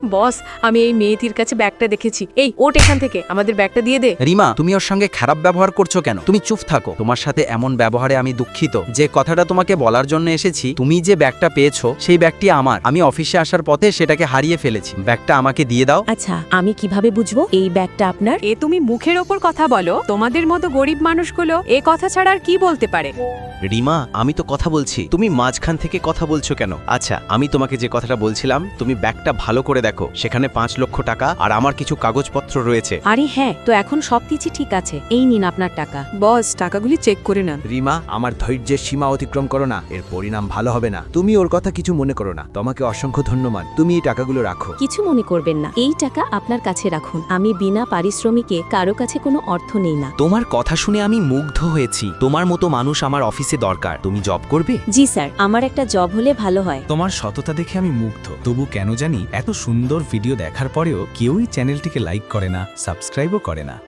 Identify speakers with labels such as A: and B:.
A: বস, আমি এই মেয়েটির কাছে ব্যাগটা দেখেছি। এই ওঠ এখান থেকে, আমাদের ব্যাগটা দিয়ে দে।
B: রিমা, তুমি ওর সঙ্গে খারাপ ব্যবহার করছো কেন? তুমি চুপ থাকো। তোমার সাথে এমন ব্যবহারে আমি দুঃখিত। যে কথাটা তোমাকে বলার জন্য এসেছি, তুমি যে ব্যাগটা পেয়েছো সেই ব্যাগটি আমার। আমি অফিসে আসার পথে সেটাকে হারিয়ে ফেলেছি। ব্যাগটা আমাকে দিয়ে দাও।
C: আচ্ছা, আমি কিভাবে বুঝবো এই ব্যাগটা আপনার?
A: এ তুমি মুখের ওপর কথা বলো? তোমাদের মতো গরিব মানুষগুলো এ কথা ছাড়া আর কি বলতে পারে?
D: রিমা, আমি তো কথা বলছি, তুমি মাঝখান থেকে কথা বলছো কেন? আচ্ছা, আমি তোমাকে যে কথাটা বলছিলাম, তুমি ব্যাগটা ভালো করে দেখো, সেখানে 5 লক্ষ টাকা আর আমার কিছু কাগজপত্র রয়েছে।
C: আরে হ্যাঁ, তো এখন সবকিছু ঠিক আছে। এই নিন আপনার টাকা।
A: বস, টাকাগুলি চেক করে নেন।
E: রিমা, আমার ধৈর্যের সীমা অতিক্রম করো না, এর পরিণাম ভালো হবে না। তুমি ওর কথা কিছু মনে করো না। তোমাকে অসংখ্য ধন্যবাদ। তুমি এই টাকাগুলো রাখো।
C: কিছু মনে করবেন না, এই টাকা আপনার কাছে রাখুন। আমি বিনা পারিশ্রমিকে কারো কাছে কোনো অর্থ নেই না।
F: তোমার কথা শুনে আমি মুগ্ধ হয়েছি। তোমার মতো মানুষ আমার অফিসে দরকার। তুমি জব করবে?
C: জি স্যার, আমার একটা জব হলে ভালো হয়।
G: তোমার সততা দেখে আমি মুগ্ধ। তবু কেন জানি এত সুন্দর ভিডিও দেখার পরেও কেউই চ্যানেলটিকে লাইক করে না, সাবস্ক্রাইবও করে না।